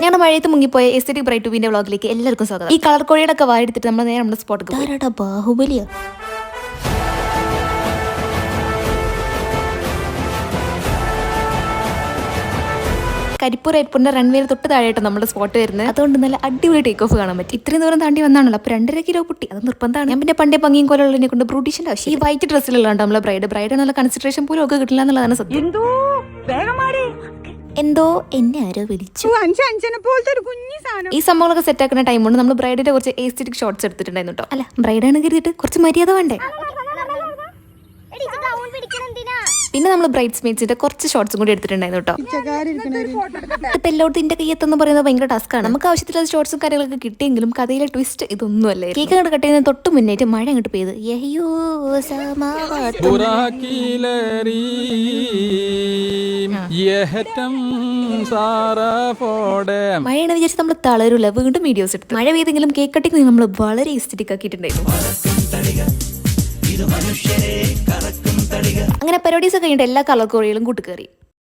ഞങ്ങളുടെ മഴയത്ത് മുങ്ങിപ്പോയ aesthetic bright ടൂവിന്റെ വ്ളോഗിലേക്ക് എല്ലാവർക്കും സ്വാഗതം. ഈ കളർ കോഴിയുടെ ഒക്കെ വായെടുത്തിട്ട് നമ്മൾ നേരെ നമ്മുടെ സ്പോട്ട് ബാഹുബലിയാ. കരിപ്പൂർ എയർപോർട്ടിന്റെ റൺവേയിൽ തൊട്ട് താഴെയായിട്ട് നമ്മുടെ സ്പോട്ട് വരുന്നത്. അതുകൊണ്ട് നല്ല അടിപൊളി ടേക്ക് ഓഫ് കാണാൻ പറ്റും. ഇത്രയും ദൂരം താണ്ടി വന്നാണല്ലോ. അപ്പോൾ 2.5 കിലോ പൊട്ടി, അത് നിർബന്ധമാണ്. ഞാൻ പിന്നെ പണ്ടേ പങ്ങിയും കൊല്ലുള്ളതിനെ കൊണ്ട് ബ്രൂട്ടീഷിന്റെ ആവശ്യം. ഈ വൈറ്റ് ഡ്രസ്സിലുള്ളതാണ് നമ്മളെ ബ്രൈഡ് നല്ല കൺസിഡറേഷൻ പോലും ഒക്കെ കിട്ടില്ല എന്നുള്ളതാണ് സത്യം. എന്തോ എന്നെ ആരോ വിളിച്ചു. ഈ സംഭവങ്ങളൊക്കെ സെറ്റ് ആക്കുന്ന ടൈം കൊണ്ട് നമ്മൾ ബ്രൈഡിന്റെ കുറച്ച് എസ്തെറ്റിക് ഷോട്ട്സ് എടുത്തിട്ടുണ്ടായിരുന്നു കേട്ടോ. അല്ല, ബ്രൈഡാണ് കരുതിയിട്ട് കുറച്ച് മര്യാദ വേണ്ടേ. പിന്നെ നമ്മൾ ബ്രൈഡ്സ് മേറ്റ്സിന്റെ കുറച്ച് ഷോർട്സും കൂടി എടുത്തിട്ടുണ്ടായിരുന്നു കേട്ടോ. ഇപ്പൊ എല്ലായിടത്തും ഇന്റെ കയ്യെത്തെന്ന് പറയുന്നത് ഭയങ്കര ടാസ്ക് ആണ്. നമുക്ക് ആവശ്യത്തിലുള്ള ഷോർട്സും കാര്യങ്ങളൊക്കെ കിട്ടിയെങ്കിലും കഥയിലെ ട്വിസ്റ്റ് ഇതൊന്നും അല്ലേ. കേക്ക് അങ്ങോട്ട് കട്ട് ചെയ്യുന്നതിന് തൊട്ട് മുന്നേറ്റ് മഴ അങ്ങോട്ട് പെയ്ത് മഴയാണ് വിചാരിച്ച് നമ്മൾ തളരൂല. വീണ്ടും വീഡിയോസ് എടുത്തു. മഴ പെയ്തെങ്കിലും കേക്ക് കട്ടിങ് നമ്മൾ വളരെ എസ്തെറ്റിക് ആക്കിയിട്ടുണ്ടായിരുന്നു. അങ്ങനെ പരിപാടീസ് കഴിഞ്ഞിട്ട് എല്ലാ കളർ കോഴികളും കൂട്ടുകയറി.